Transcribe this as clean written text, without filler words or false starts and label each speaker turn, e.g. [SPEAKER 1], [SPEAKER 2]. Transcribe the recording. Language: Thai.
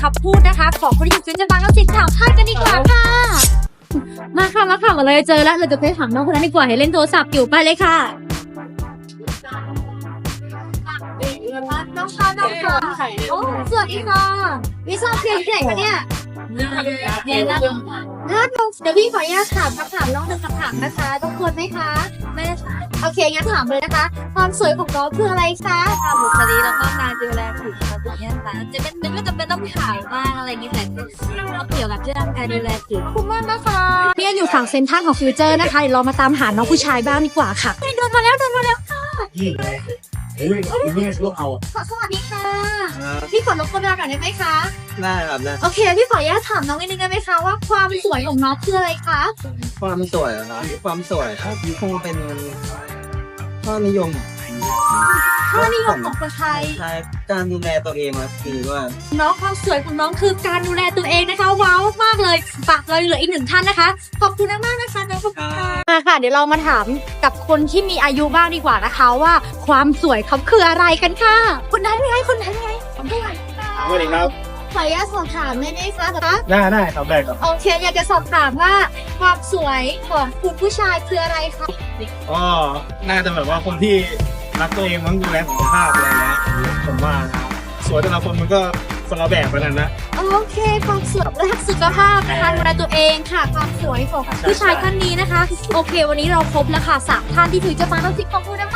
[SPEAKER 1] คำพูดนะคะของคนที่อยู่ฟิวเจอร์บางเราสิถามท่านกันดีกว่าค่ะมาค่ะมาเลยเจอแล้วเราจะไปถามน้องคนนั้นดีกว่าให้เล่นโทรศัพท์อยู่ไปเลยค่ะน้องค่ะโอ้สวัสดีค่ะวิชาเพียงที่ไหนคะเนี่ยเดี๋ยวพี่ขออนุญาตถามคำถามน้องหนึ่งคำถามนะคะต้องควรไหมคะไม่ค่ะโอเคงั้นถามเลยนะคะความสวยของน้องคืออะไรคะบุคลิกแล้วก็การดูแลผิวอะไรอย่างเงี้ยค่ะจะเป็นไม่จำเป็นต้องขาวมากอะไรอย่างเงี้ยแต่เราเกี่ยวกับเรื่องการดูแลผิวคุ้มมากนะคะพี่อยู่ฝั่งเซ็นทรัลของฟิวเจอร์นะคะเดี๋ยวเรามาตามหาน้องผู้ชายบ้างดีกว่าค่ะเดินมาแล้วค่ะ
[SPEAKER 2] นี่ลูกเอา
[SPEAKER 1] สวัสดีค่ะพี่ขอรบกวนเวลาหน่อยได้ไหมคะ
[SPEAKER 2] ได้ครับได้
[SPEAKER 1] โอเคพี่ขออนุญาตถามน้องนิดนึงได้ไหมคะว่าความสวยของน้องคืออะไรคะ
[SPEAKER 2] ความสวยนะครับความสวยครับคงเป็นข้อนิยม
[SPEAKER 1] ค่านิยมของคนไทย
[SPEAKER 2] ใช่การดูแลตัวเองครับคือว่า
[SPEAKER 1] น้องความสวยของน้องคือการดูแลตัวเองนะคะว้าวมากเลยฝากเลยเหลืออีกหนึ่งท่านนะคะขอบคุณมากๆนะคะน้องขอบคุณค่ะเดี๋ยวเรามาถามกับคนที่มีอายุบ้างดีกว่านะคะว่าความสวยเขาคืออะไรกันค่ะคนนั้นไงสวัสดีค่ะ
[SPEAKER 2] สวัสดีครับ
[SPEAKER 1] ขออนุญาตสอบถามได้ไหมคะ
[SPEAKER 2] ได้ครับได้ครับ
[SPEAKER 1] โอเคอยากจะสอบถามว่าความสวยของคุณผู้ชายคืออะไรคะ
[SPEAKER 3] ก็น่าจะแบบว่าคนที่รักตัวเองมั้งดูแลสุขภาพอะไรเงี้ยผมว่านะครับสวยแต่ละคนมันก็คนละแบบกันนะ
[SPEAKER 1] โอเคความสวยและสุขภาพนะคะดูแลตัวเองค่ะความสวยของผู้ชายท่านนี้นะคะโอเควันนี้เราครบแล้วค่ะ3ท่านที่ถือจะมาต้องสิขอบคุณนะคะ